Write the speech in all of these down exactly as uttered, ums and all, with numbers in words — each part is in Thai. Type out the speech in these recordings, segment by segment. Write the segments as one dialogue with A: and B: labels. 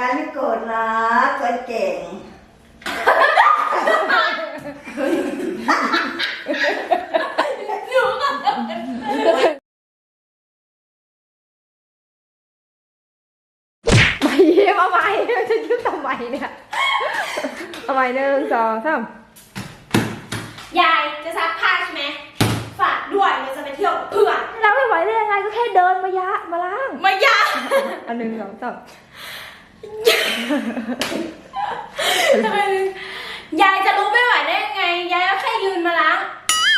A: ายไม่โกรธนะคนเก่ง
B: ไม่ยิ้มเอาใหม่จะยิ้มทำไมเนี่ยเอาใหม่หนึ่งสองสาม
C: ยายจะซักผ้าใช่ไหมฝากด้วยเราจะไปเที่ยวกับเพื่อน
B: เราไม่ไหวได้ยังไงก็แค่เดินมายะมาล้าง
C: มายา
B: อันหนึ่งสองสาม
C: ยายจะลุกไม่ไหวได้ยังไงยายก็แค่ยืนมาล้าง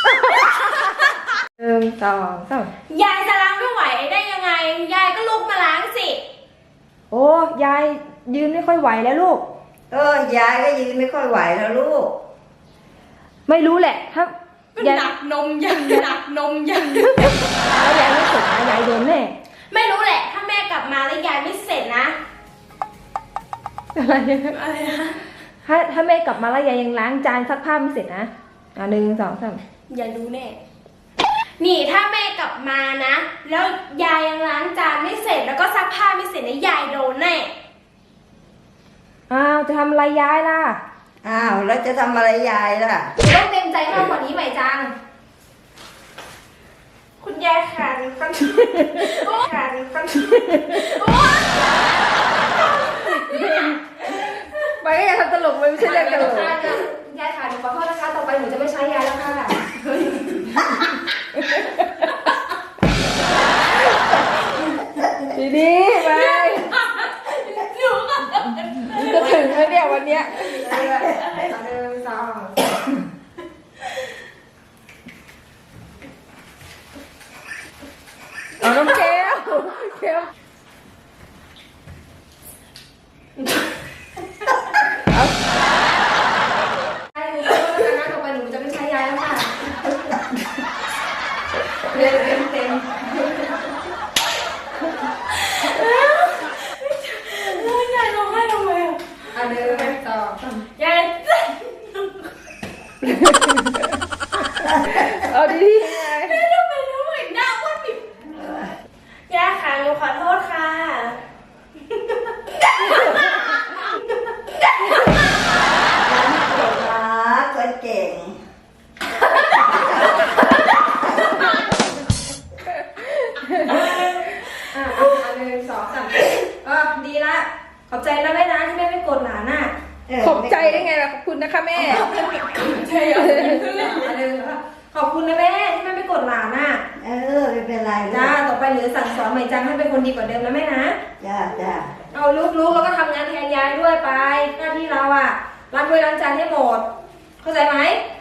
B: หนึ่งสองสาม
C: ยายจะล้างไม่ไหวได้ยังไงยายก็ลุกมาล้างสิ
B: โอ้ยายยืนไม่ค่อยไหวแล้วลูก
A: เออยายก็ยืนไม่ค่อยไหวแล้วลูก
B: ไม่รู้แหละถ้า
C: หนักนมยังหนักนมยัง
B: แล้วยายไม่เสร็จนะยายโดนแน่
C: ไม่รู้แหละถ้าแม่กลับมาแล้วยายไม่เสร็จนะ
B: อะไร
C: อะไรนะ
B: ถ้าถ้าแม่กลับมาแล้วยายยังล้างจานซักผ้าไม่เสร็จนะอ่ะหนึ่งสองสาม
C: ยายรู้แน่นี่ถ้าแม่กลับมานะแล้วยายยังล้างจานไม่เสร็จแล้วก็ซักผ้าไม่เสร็จนะยายโดนแน่
B: อ้าวจะทำอะไรยายล่ะ
A: อ้าวแล้วจะทำอะไรยายล่ะ
C: ต้องเต็มใจมากกว่านี้ไหมจังคุณยายขาดคันขาดคัน
B: ไปก็อย่าทำตลกไม่ใช่เรื่องตลก
C: ยายขาดหนูขอโทษนะคะต่อไปหนูจะไม่ใช้ยายแล้วค่ะ
B: ดีดีไปจะถึงแล้วเนี่ยวันเนี้ยเดินสองเอาน้ำเกลียวเกลียวเอา
C: ไอ้หนูขอโทษนะคะต่อไปหนูจะไม่ใช้ยายแล้วค่ะ
B: เต็มเต็มเต็ม
C: ยายร้องไห้ทำไมอ่ะ
B: อ่ะเดินต่อย
C: าย
B: เอาดีๆไง
C: ไม่รู้ไม่รู้อีกหน้าอ้วนปิดยายค่ะหนูขอโทษค่ะ
A: คนเก่ง
B: อ่ะอ่ะหนึ่งสองสามก็ดีละขอบใจนะแม่นะที่แม่ไม่โกรธหลานน่ะขอบใจได้ไงล่ะขอบคุณนะคะแม่
C: ใช่เหรอ
B: ขอบคุณนะแม่ที่แม่ไม่โกรธหลานน่ะ
A: เออไม่เป็นไร
B: จ้าต่อไปเหลือสั่งสอนใหม่จังให้เป็นคนดีกว่าเดิมนะแม่นะ
A: จ้าจ้า
B: เอาลูกๆแล้วก็ทำงานแทนยายด้วยไปหน้าที่เราอ่ะล้างถ้วยล้างจานให้หมดเข้าใจไหม